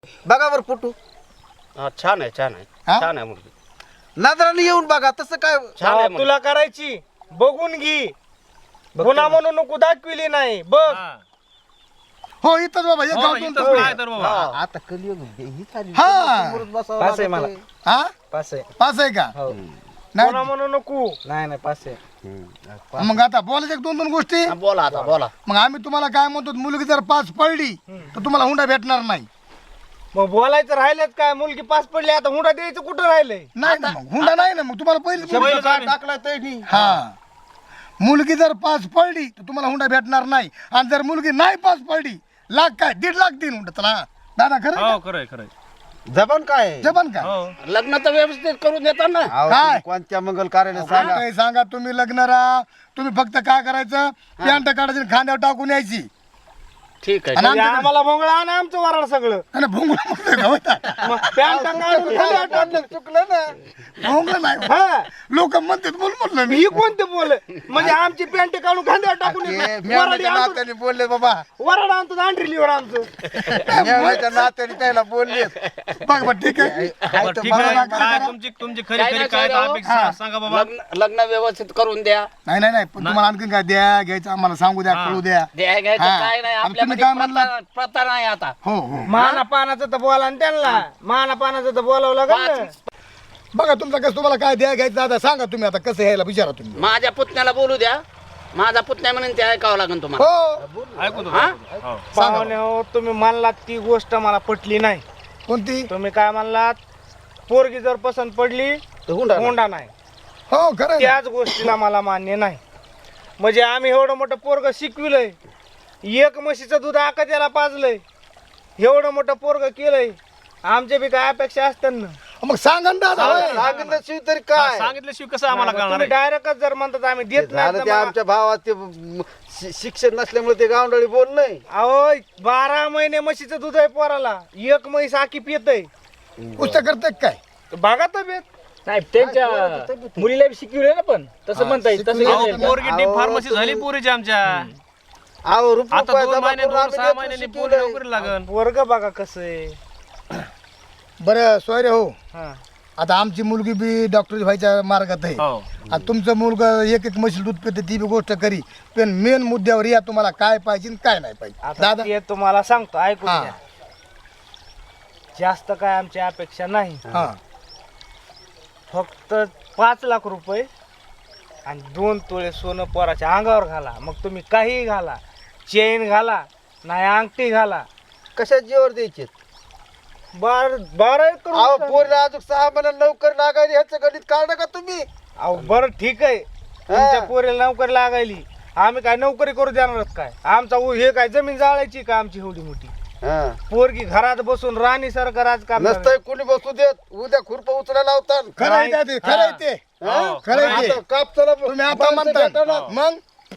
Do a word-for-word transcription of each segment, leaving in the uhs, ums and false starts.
बघा बरं फोटो. हा, छान आहे छान आहे हा? छान आहे मुलगी नजराने येऊन बघा तसं काय. छान आहे हा, मुलगी. तुला करायची बघून घे. पुन्हा म्हणून नको दाखविली नाही बघ. हो इथंच बाबा एक हो, गाव इथंच दोन काय तर बाबा. हा, आता कलियुग ही झाली. हा. समोरच बसावं पास आहे लागतंय. हा पास आहे पाच आहे का हो पुन्हा नाही म्हणून नको. नाही नाही पास आहे हम्म. मग आता बोलायचं एक दोन दोन गोष्टी हा, बोला आता बोला मग आम्ही तुम्हाला काय म्हणतो मुलगी जर पाच पडली तर तुम्हाला हुंडा भेटणार नाही मग बोलायचं राहिलेत काय? मुलगी पास पडली आता हुंडा द्यायचं कुठं राहिलंय? नाही ना मग हुंडा नाही ना मग तुम्हाला पहिली शब्द काय टाकलाय त्यांनी. हा मुलगी जर पाच पडली तर तुम्हाला हुंडा भेटणार नाही आणि जर मुलगी नाही पाच पडली लाख काय दीड लाख देईन हुंडा चला दादा खरं हो खरंय खरंय जबान काय आहे? जपन का हो लग्न तर व्यवस्थित करून देतात ना अहो, काय? तुम्ही कोणत्या मंगल कार्याला सांगा. काही सांगा तुम्ही लग्न राहा तुम्ही फक्त काय करायचं पॅन्ट काढायची आणि खांद्यावर टाकून यायची ठीक आहे आणि म्हणजे आमच्याकडे- आम्हाला भोंगळा आणि आमचं वराड सगळं. आणि भोंगळा म्हणतोय का होता? मग पॅन्ट काढून खाली टाकलं. चुकलं ना. भोंगळा नाही हा, लोक म्हणतात बोल म्हटलं मी ही कोणते बोल म्हणजे आमची पॅन्ट काढून खांद्यावर टाकून ते येतात. वराडी मेवण्याच्या आणतो नात्याने बोलले बाबा. वराड आणतो दांडरी लिव्हर आमचं. मेवण्याच्या नात्याने त्याला बोलले. बघ बघ ठीक आहे बरं, ठीक आहे काय तुमची तुमची खरी काय खरी नाही, काय काय राव? अपेक्षा सांगा बाबा. लग्न लग्न व्यवस्थित करून द्या नाही नाही नाही पण तुम्हाला आणखी काय द्या घ्यायचं आम्हाला सांगू द्या हा. कळू द्या द्या घ्यायचं हा. काय नाही आणि तुम्ही आपल्याकडे काय म्हणला? प्रथा प्रथा नाही आता हो हो माना पानाचं तर बोला आणि त्यांना माना पानाचं तर बोलावं लागेल ना. बघा तुमचं कसं तुम्हाला काय द्या घ्यायचं आता सांगा तुम्ही आता कसं यायला विचारा तुम्ही माझ्या पुतण्याला बोलू द्या माझा पुतण्या म्हणून ते ऐकावं लागेल तुम्हाला हो ऐकून हा? हो पाहुणे हो तुम्ही मानलात ती गोष्ट मला पटली नाही. कोणती तुम्ही काय म्हणलात पोरगी जर पसंत पडली तर हुंडा नाही. हुंडा नाही. हो खरं आहे ना. त्याच गोष्टीला मला मान्य नाही. म्हणजे आम्ही एवढं मोठं पोरग शिकविलंय एक म्हशीचं दूध आका त्याला पाजलंय एवढं मोठं पोरग केलंय आमच्या बी काय अपेक्षा असतात ना. मग सांगा ना दादा होय. सांगितल्याशिवाय तरी हा, काय सांगितल्याशिवाय कसं आम्हाला कळणार तुम्ही आहे? डायरेक्टच जर म्हणतात आम्ही देत झालं नाही ते तर मग- आमच्या भावात ते म- शि- शिक्षण नसल्यामुळे ते गावंडळी बोललंय. अहो बारा महिने म्हशीचं दूध आहे पोराला एक म्हैस आकी पितय पुस्तक करते काय बघा तब्येत नाही त्यांच्या मुलीला बी शिकवले ना पण तसं म्हणता येईल तसं अहो, घेता येईल. पोरगी डीप अहो, फार्मसी तुम्ही- झाली पोरीची आमच्या अहो, रुपये आता दोन जमा महिने करून दोन आम्ही सहा लेकरं महिन्यांनी पोरी शिकवलंय. नोकरी लागन वर्ग बघा कसं आहे. बरं सोयरे हो हा. आता आमची मुलगी बी डॉक्टर व्हायच्या मार्गात आहे हो आणि तुमचं मुलगा एक एक म्हशी दूध पिते ती बी गोष्ट करी पण मेन मुद्द्यावर या तुम्हाला काय पाहिजे आणि काय नाही पाहिजे आता दादा ते तुम्हाला सांगतो ऐकून हा. घ्या. जास्त काय आमची अपेक्षा नाही हा फक्त पाच लाख रुपये आणि दोन तोळे सोनं पोराच्या अंगावर घाला मग तुम्ही काही घाला चेन घाला नाही अंगठी घाला कशा जीवर द्यायचे. बार बारा एक करू अहो नका. पोरीला अजून सहा महिन्यात लवकर लागायला ह्याचं गणित काढा का तुम्ही. अहो बरं ठीक आहे तुमच्या पोरीला नोकरी लागायली आम्ही काय नोकरी करू देणार आहोत काय आमचा उ- हे काय जमीन जाळायची का आमची एवढी मोठी हा. पोरगी घरात बसून राणी सारखं राजकारण नसतंय कुणी बसू देत उद्या खुरप उचलायला लावतात. खरं आहे त्या ते, खरं आहे ते हो. खरं आहे ते आता कापसाला तुम्ही आता माणसं म्हणता भेटणार. मग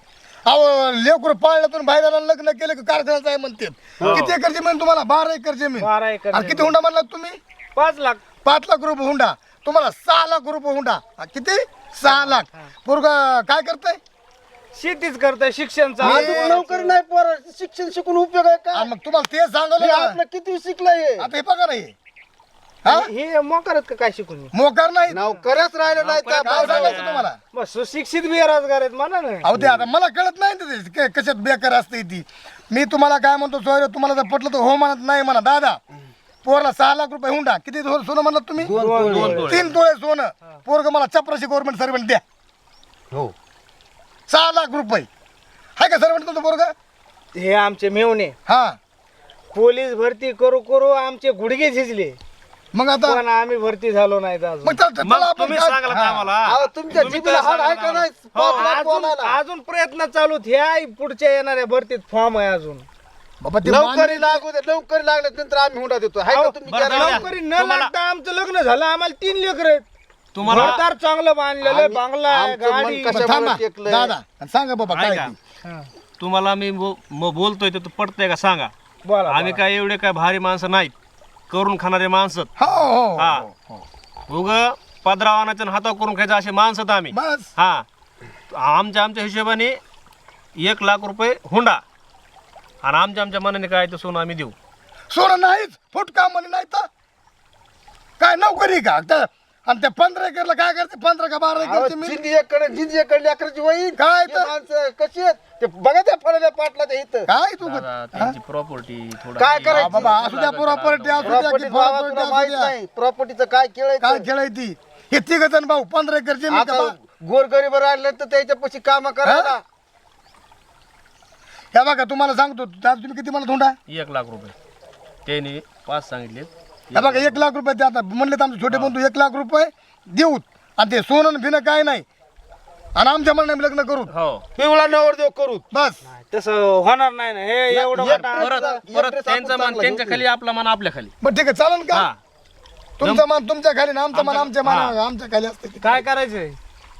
अहो लेकरू पाळण्यातून बाहेर लग्न केलं की कारखान्याचं आहे म्हणते किती एकर जमीन तुम्हाला बारा एकर जमीन बारा एकर आणि किती जमीन. हुंडा म्हणला तुम्ही पाच लाख पाच लाख रुपये हुंडा तुम्हाला सहा लाख रुपये हुंडा हा, किती सहा लाख पोरगा काय करताय शेतीच करताय शिक्षण चालू अजून आहे. नोकरी नाही पोर शिक्षण शिकून उपयोग आहे का. मग तुम्हाला ते सांगलं हे ना आपलं किती शिकलंय. आता हे बघा नाही हा हे मोकारत का काय शिकून मोकार नाही नोकऱ्याच राहिलं नाही तर काय सांगायचं तुम्हाला मग सुशिक्षित बेरोजगार आहेत म्हणा ना. अहो ते आता मला कळत नाही ना ते क- कशात बेकार असते ती मी तुम्हाला काय म्हणतो सोयरे तुम्हाला जर पटलं तर हो म्हणत नाही म्हणा दादा पोरला सहा लाख रुपये हुंडा किती सो- सोनं म्हणलं तुम्ही दोन तोळे. तीन तोळे सोनं पोरग मला चपराशी गव्हर्नमेंट सर्वंट द्या हो सहा लाख रुपये हाय का सर्वंट तुमचं पोरग हे आमचे मेवणे हा पोलीस भरती करू करू आमचे गुडघे झिजले मग आता पण आम्ही भरती झालो नाही अजून. मग चल- चला मग आपण तुम्ही काय- सांगाल हा. आम्हाला अहो, तुमच्या तुम्ही जिभेला तर हाड आहे का सांगा नाही हो, पाच लाख अजून बोलायला. अजून प्रयत्न चालू आहेत. ह्या पुढच्या येणाऱ्या भरतीत फॉर्म आहे अजून बाबा ते नोकरी लागू दे नोकरी लागल्यानंतर आम्ही हुंडा देतो हाय का अहो, तुम्ही बरं, करा. जाऊ द्या. नोकरी न तुम्हाला- लागता आमचं लग्न झालं आम्हाला तीन लेकर आहेत तुम्हाला घरदार चांगलं बांधलेलं आहे, आम्ही- बांगला आहे, आमचं मन गाडी कशा- बरं, थांबा टेकलंय. दादा सांगा बाबा काय ऐका. ते. हा. तुम्हाला मी बो- म- बोलतोय ते पटतंय का सांगा बोला आम्ही काय एवढे काय भारी माणसं नाहीत करून खाणारे माणसं हो हो, हा. हो हो. उग पदरावानाच्या हातावर करून खायचं असे माणसं आहेत आम्ही बस हा आमच्या आमच्या हिशोबाने एक लाख रुपये हुंडा आणि आमच्या आमच्या मनाने काय ते सोनं आम्ही देऊ सोनं नाहीच फुट काम म्हणे नाही तर काय नोकरी का त्या- आणि त्या पंधरा एकरला काय करते पंधरा का बारा एकरची मी जिंदी एकडे जिंदी एकडे अकराची वहीन काय हे तर? माणसं कशी आहेत ते बघा त्या फळल्या पाटला त्या इथं काय तू दादा, त्यांची प्रॉपर्टी थोडं काय हे- करायचं? बाबा असू द्या प्रॉपर्टी असू द्या प्रॉपर्टी की property असू माहित द्या. नाही प्रॉपर्टीचं काय केळ काय खेळ आहे ती हे तिघ जण भाऊ पंधरा एकर जमीन का आता बा- गोरगरीब राहिले तर त्याच्यापाशी काम करायला हे बघा तुम्हाला सांगतो दादा तुम्ही किती मला धोंडा एक लाख रुपये त्यांनी पाच सांगितले हे बघा एक लाख रुपये ते आता म्हणले तर आमचे छोटे बंधू एक लाख रुपये देऊत आणि ते सोनं भिनं काय नाही आणि आमच्या म्हणण्याने लग्न करू हो पिवळा नवरदेव करू बस तसं होणार नाही ना हे एवढं एक- मोठा- परत एकट्याच परत आपण त्यांचा मान चांगला त्यांच्या घेऊ. खाली आपला मान आपल्या खाली बरं ठीक आहे चालेल का हा तुमचा मान तुमच्या खाली ना आमचा मान आमच्या मान हा. आमच्या खाली असते काय करायचंय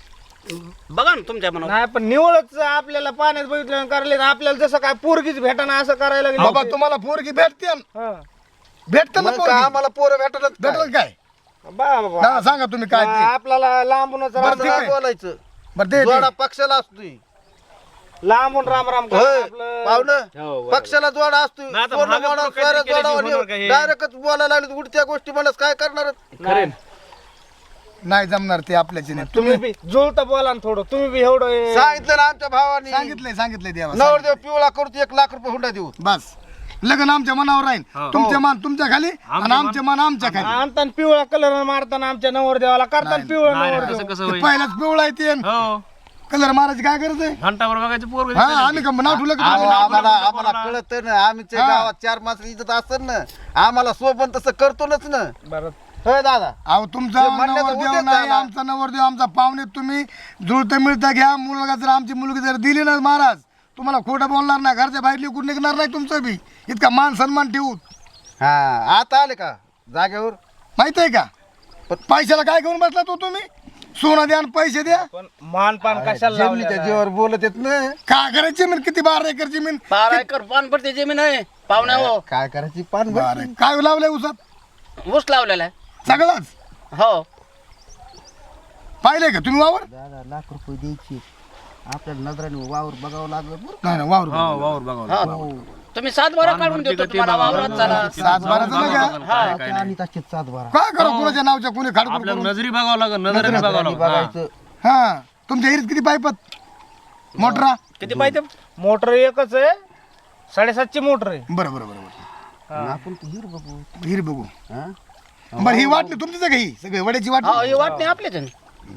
बघा ना तुमच्या मनावर नाही पण निवळच आपल्याला पाण्यात बघितलं करायला आपल्याला जसं काय पोरगीच भेटाना असं करायला लागलं बाबा तुम्हाला पोरगी भेटते ना? हा. भेटते ना मग पोरगी काय आम्हाला पोरं भेटलंच भेटल काय बा- बा- दादा सांगा तुम्ही काय ते. आपल्याला लांबूनच बरं, राम- ठीक आहे. बोलायचं बरं ते जोडा पक्षाला असतोय लांबून राम राम करा होय, आपलं पाहुणं पक्षाला जोडा असतोय नाही आता पूर्ण मागं मोडा, पुढं काहीतरी स्वरा केल्याशिवाय जोडा होणार का हे? डायरेक्टच बोलायला लागले उडत्या गोष्टी म्हणत काय करणार नाही. नाही जमणार ते आपल्याची नाही तुम्ही बी जुळता बोला ना थोडं तुम्ही बी एवढं हे- सांगितलं ना आमच्या भावानी सांगितलंय सांगितलंय देवा नवरदेव पिवळा करतो एक लाख रुपये हुंडा देऊ बस लग्न आमच्या मनावर राहील हो. तुमचे मान तुमच्या खाली आणि आमचे मान आमच्या खाली आणताना पिवळा कलर मारताना आमच्या नवरदेवाला करताना पिवळा नाही नाही, नवरदेव तसं कसं ते होईल पहिलाच पिवळा आहे ते हो कलर मारायची काय गरज आहे घंटाभर बघायचं पोर हा आम्ही का नाव ठेवलं का अहो, तुम्ही? आम्हाला आम्हाला कळत ना आमच्या हा. गावात चार माणसं इज्जत असत ना आम्हाला सोबत तसं करतोच ना बरं होय दादा अहो तुमचा ते म्हणण्याचा नवरदेव उद्देश नाही झाला. आमचा नवरदेव आमचा पाहुणे तुम्ही जुळतं मिळतं घ्या मुलगा जर आमची मुलगी जर दिली ना महाराज तुम्हाला खोटं बोलणार नाही घरच्या बाहेर लिकून निघणार नाही तुमचं बी इतका मान सन्मान ठेवू हा आता आले का जागेवर माहित आहे का पैशाला काय घेऊन बसला तो तुम्ही सोनं द्या आणि पैसे द्या पण मानपान कशाला जमिनीच्या लावलेलं? जीवावर बोलत येत ना काय करायची जमीन किती बारा एकर जमीन बारा एकर पान पडते जमीन आहे पाहुण्या हो काय करायची पान बारा काय लावलंय उसात ऊस लावलेला आहे सगळंच हो पाहिलंय का तुम्ही वावर दादा लाख रुपये द्यायची आपल्याला नजराने वावर बघावं लागलं बरं. नाही नाही वावर हो वावर बघा हा तुम्ही सात बारा काढून देतो तुम्हाला वावरात चला सात बाराचं नका आणि त्याचे सात बारा काय करू कुणाच्या नावच्या कुणी खाडकून आपल्याला नजरी बघावं लागेल नजरेने बघावं लागेल हा. बघायचं हा तुमच्या हिरीत किती पाईपत मोटरा किती पाहिजे मोटर एकच आहे साडेसातची मोटर आहे बरं बरं बरं बरं आपण तर हिर बघू हिरी बघू हा? बरं ही वाटली तुमचीच आहे का ही सगळी वड्याची हो वाटली हे वाटणे आपलेच आहे.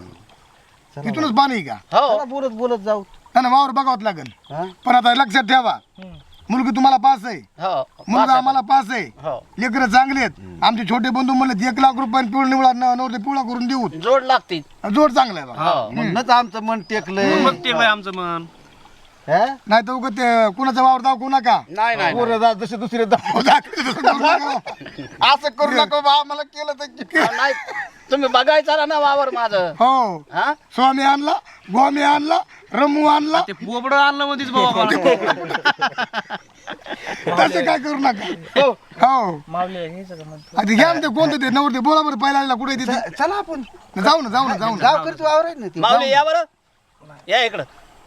इथूनच पाणी आहे का हो चला बोलत बोलत जाऊ नाही ना वावर बघावं लागेल हा? पण आता लक्षात ठेवा मुलगी तुम्हाला पास आहे हो मुलगा आम्हाला पास आहे हो लेकरं चांगले आहेत आमचे छोटे बंधू म्हणले एक लाख रुपये पिवळ निवडा नवरते पिवळा करून देऊ जोड लागते जोड चांगला आहे बा. हो म्हणूनच आमचं मन टेकलंय मग ते काय आमचं मन हा? नाही तर उगाच ते कुणाचा वावर दाखवू नका नाही नाही पोरं जा जसे दुसरे जा. असं करू नका बा, आम्हाला केलं तर हो, नाही तुम्ही बघायचा ना वावर माझं हो हा स्वामी आणला गोमी आणला रमू आणला ते पोपड आणलं मध्येच बाबा तसं काय करू नका हो मावले हे सगळं म्हणतो. आता घ्या ना ते कोणतं ते नवरते बोला बरं पहिला आलेला कुठे तिथे च- चला आपण जाऊ ना जाऊ ना जाऊ ना गाव करतो वावर आहे ना ती माऊली या बरं या इकडं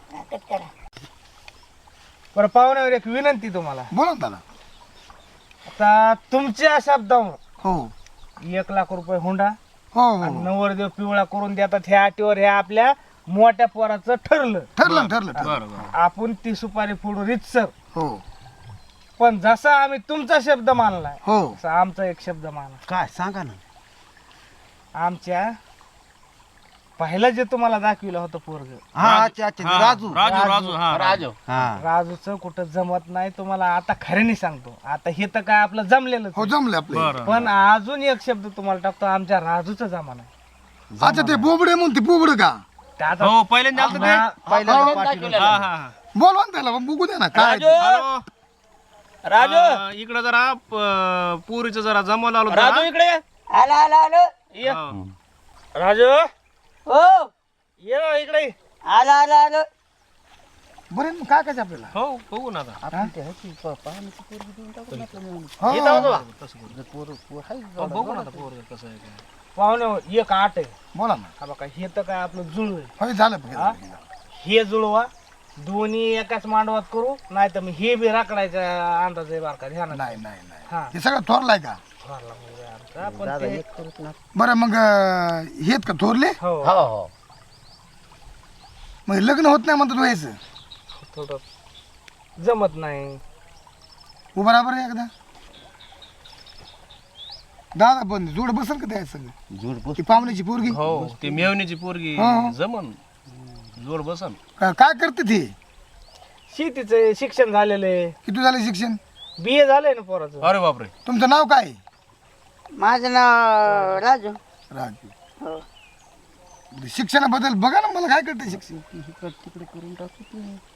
बरं पाहुण्यावर एक विनंती तुम्हाला बोला ना त्याला आता तुमच्या शब्दावर हो एक लाख रुपये हुंडा हो आणि हो नवरदेव पिवळा करून देतात ह्या अटीवर ह्या आपल्या मोठ्या पोराचं ठरलं ठरलं ना, ठरलं ठरलं बरं बरं आपण ती सुपारी फोडू रितसर हो पण जसा आम्ही तुमचा शब्द मानलाय हो तसा आमचा एक शब्द माना काय सांगा ना आमच्या पहिलं जे तुम्हाला दाखविलं होतं पोरग हा अच्छा अच्छा हा, राजू राजू राजू हा राजू हा राजूचं कुठं जमत नाही तुम्हाला आता खऱ्याने सांगतो आता हे तर काय आपलं जमलेलं हो जमले आपले बरं पण अजून एक शब्द तुम्हाला टाकतो आमच्या राजूचा जमाना आहे. अच्छा ते बोबडे म्हणून ते बोबड का ते आता हो पहिल्यांदा आलतं ते आम्हा- पहिल्यांदा दाखवलेलं. हा हा हा. बोलवा ना त्याला बघू द्या ना काय राजू हॅलो राजू अं, इकडं जरा प- पुरीचं जरा जमवलं आलो राजू जरा. इकडे ये. आला आला आलो ये. हो. राजू हो ये ना इकडे ये. आला आला आलो बरं मग काय काय आपल्याला हो बघू ना आता हो, इथं होतो बा. हो, बघू ना आता पोरगं कसं आहे काय. पाहुणे एक आठ आहे बोला ना हा बघा हे तर काय आपलं जुळ आहे हो झालं हा? हे जुळवा दोन्ही एकाच मांडवात करू नाही तर मी हे बी राखडायचा अंदाज आहे बारका ध्यानात नाही नाही नाही हा हे सगळं थोरलाय का थोरला मुलगा आहे आमचा, पण दादा ते- एक करूच ना. बरं मग अं, हेत का थोरले हो हो हो मग लग्न होत नाही म्हणतात व्हायचं थोडं जमत नाही उभं राहा बरं एकदा दादा पण जोड बसल का त्या सगळं जोड बस. ती पाहुण्याची पोरगी हो ते मेवणीची पोरगी हो. जमन जोड बसन का- काय करते ती शेतीचं शिक्षण झालेलं आहे किती झालं शिक्षण बी ए झालंय ना पोराचं अरे बापरे तुमचं नाव काय माझं नाव राजू राजू हो शिक्षणाबद्दल बघा ना मला काय करते शिक्षण इकडं तिकडे करून टाकू.